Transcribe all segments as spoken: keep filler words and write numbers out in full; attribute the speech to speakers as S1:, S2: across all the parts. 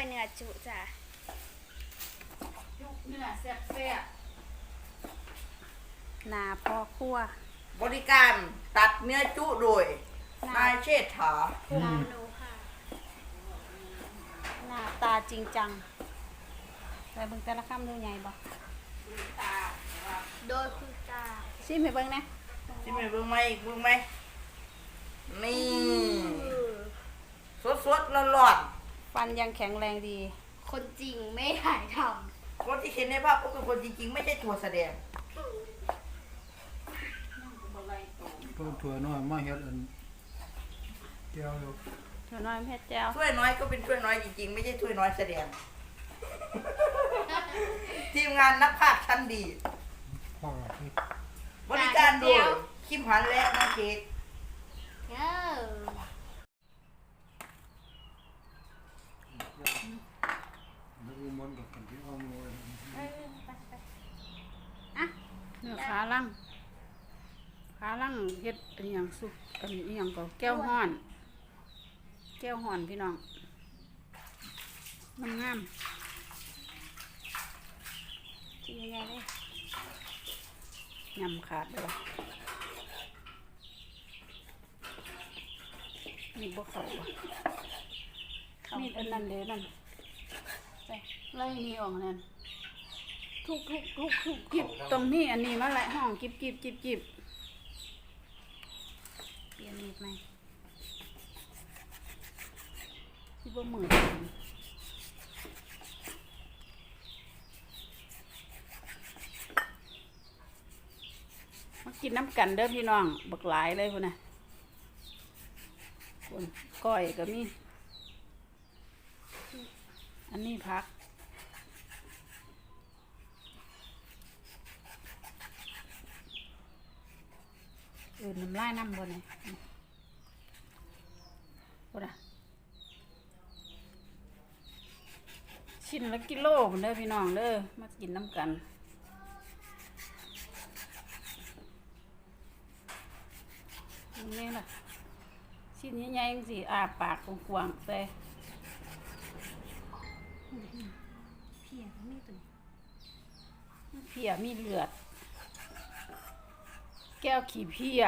S1: เนื้อจุจ้ะ
S2: จุเนื้อแซ่บ
S1: หนาพ่อครัว
S3: บริการตัดเนื้อจุโดยนายเชษฐา
S1: ลาโนค่ะหน้าตาจริงจังไปเบิ่งแต่ละคำดูใหญ่บ่โดยคือตาชิมให้เบิ่งนะ
S3: ที่ไม่เบิ่งไหมเบิ่งไหมนี่สดสดร้อนร้อน
S1: ฟันยังแข็งแรงดี
S2: คนจริงไม่ถ่ายท
S3: ๆคนที่เห็นในภาพก็คือคนจริงๆไม่ใช่ตัวแสดง
S4: ตัวถั่วน้อยมาเฮ็ดอันแก้วอยู่
S1: ถั่วน้อยเพชรแจ้ว
S3: ถ้วยน้อยก็เป็นถ้วยน้อยจริงๆไม่ใช่ถ้วยน้อยแสดง ทีมงานนักพากย์ชั้นดี
S4: พ่อที่
S3: บริการโดยคิมหันและน้องเค้ก
S2: ำเออ
S4: แล้วก็มันกับกันที่เอามือ
S1: อ่ะเนื้อขาลังขาลังเฮ็ดอันหยังสุกอันนี้หยังก็แก้วฮ้อน แก้วฮ้อนพี่น้องงามๆชิ้นใหญ่ๆเลยยำขาดเลยมีบ่เข้าบ่มีอันนั้นเด้อนั่นใส่ไล่นี่ออกนั่นทุกทุกทุกทุกกิบตรงนี้อันนี้มาแหละห้องกิบกิบกิบกิบเปลี่ยนมีดไหมที่บ่มือมากินน้ำกันเด้อพี่น้องบักหลายเลยพุ่นน่ะคนก้อยก็มีอันนี้พักเออน้ำลายน้ำบนเลยพุ่นน่ะชิ้นละกิโลพุ่นเด้อพี่น้องเด้อมากินน้ำกันนี่ล่ะชิ้นใหญ่ๆสิอาปากกว้างๆใส่เพียมีตัวเพียมีเลือดแก้วขี้เพีย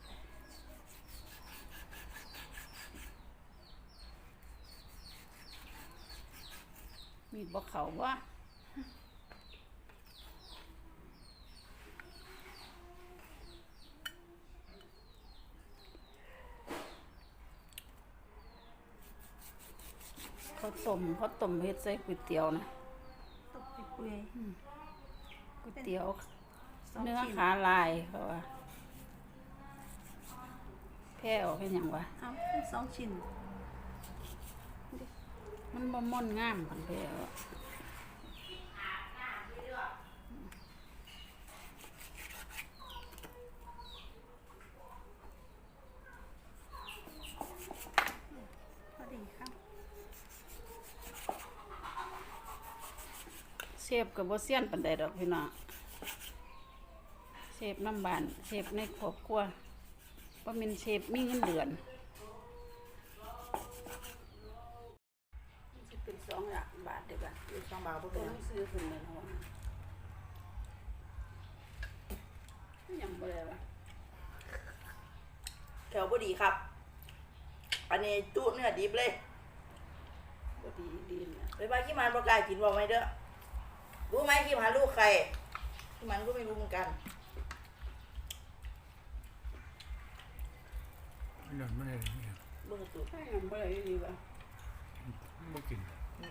S1: มีดบ่เขาว่าเขาต้มเขาต้มเฮ็ดใส่ก๋วยเตี๋ยวนะ
S2: ตกไปเปื่อย
S1: ก๋วยเตี๋ยวเนื้อขาลายเขาว่าแพ้ออกเป็นหยังวะ
S2: เอาสองชิ้น
S1: มันบ่ม่อนงามพันแพ้ออกพอดีครับเชฟกับบ่เซียนปานใดดอกพี่น้องเชฟน้ำบานเชฟในครอบครัวบ่แม่นเชฟมีเงินเดือนมันสิเป็นสองหลักบาทเด้อบ่ะ
S3: อยู่สองบาทพวก
S1: ต้
S3: เรา
S1: องซื้อขึ้นเลยเนาะยังบ่ได้วะ
S3: แถวบดีครับ อันนี้จุเนื้อดิบเลย
S1: บ่ดีดีนะ
S3: ไปบ้านขี้มันประกล้าศกินบอกไหมเด้อรู้ไหมขี้มันลูกใครขี้มันก็ไม่รู้เหมือนกัน
S4: เลือดไม่ได้เนี่ย
S3: เบิ่งสุด
S1: ถ้ายังบ่ได้ดีวะ
S4: บ่กิน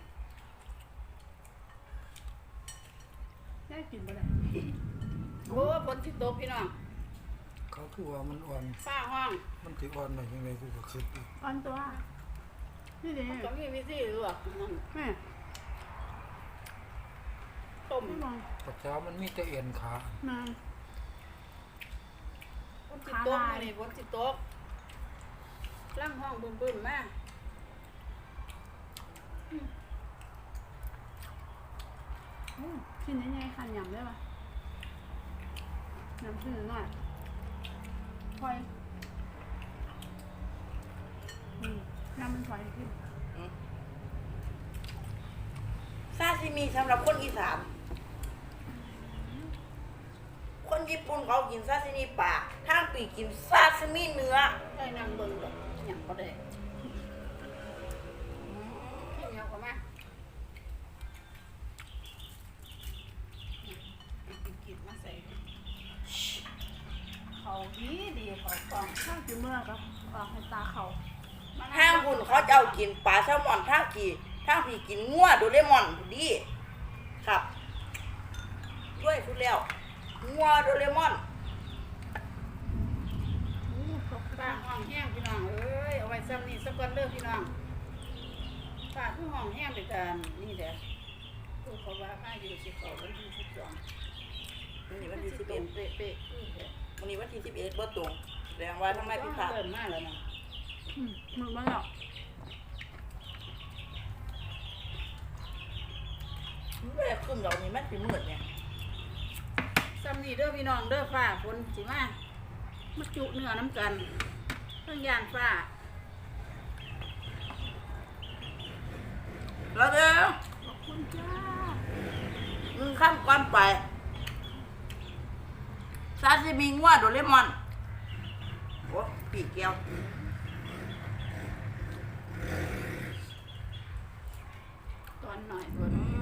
S1: ได้กินบ่ได้โอ้ฝนสิตกพี่น้อง
S4: เขาคือว่ามันอ่อน
S1: ฟ้าห้อง
S4: มันสิอ่อนหน่อยยังไงกูก็คิดอยู่
S2: อ่อนตัวนี่เด้
S1: มันก็มีวิธีลวกนั่น
S2: แม่
S1: ต้ม
S2: ไม่มอง
S4: ปัจเจ้ามันมีแต่เอ็นขา
S2: มา
S1: ฝนสิตกนี่ฝนสิตกล่างห้องบึ้มๆมา
S2: อู้ชิ้นใหญ่ๆคันยำได้ปะยำชิ้นหน่อยถอยอืมน้ำมันถอยขึ้น
S3: อืมซิมิสำหรับคนอีสานคนญี่ปุ่นเขากินซาซิมิปลาทางปีกินซาซิมิเนื้อ
S1: ได้นั่งเบิ่งดอกหยังบ่ได้ให้เหนียวก็มากินมาใส่เขาดีดีเขากล่อง
S2: ข้าวกินเมื่อกับออกให้ตาเขา
S3: ทางคุณเขาจะเอากินปลาแซลมอนทางกี่ทางพี่กินงัวโดเรมอนดีครับด้วยพูดแล้วงัวโดเรมอน
S2: อู้ตก
S1: ป้าห้องแห้งพี่น้องเอ้ยเอาไว้ซ้ำนี่สักวันเด้อพี่น้องป้าคือห้องแห้งไปกันนี่แหละผู้เขาว่าป้าอยู่สิเขาวันที่สิบสอง
S3: วันนี้
S1: วั
S3: วัน
S1: น
S3: ที่
S1: ที่
S3: สิ
S1: สิ
S3: บบ เอ็
S1: เอ็
S3: ด
S1: ดเป๊ะเป๊ะๆอื้อเด้อ
S3: วันนี้วันที่สิบเอ็ดบ่ตรงแสดงว่าทำไมพี่พลาด
S1: เริ่มมาแล้วนะ
S2: อืมมือมาแล้ว
S3: เวลาขึ้นดอกนี้มันเป็นมืดเนี่ย
S1: ซ้ำนี่เด้อพี่น้องเด้อฟ้าฝนสิมามาจุเนื้อน้ำกันเพิ่งย่านฟ้า
S3: แล้วเด้อ
S2: ขอบคุณจ้า
S3: มึงข้ามก้อนไปซาซิมิงัวโดเรมอนโอ้ปีกแก้ว
S1: ตอนหน่อยตัว
S3: อืม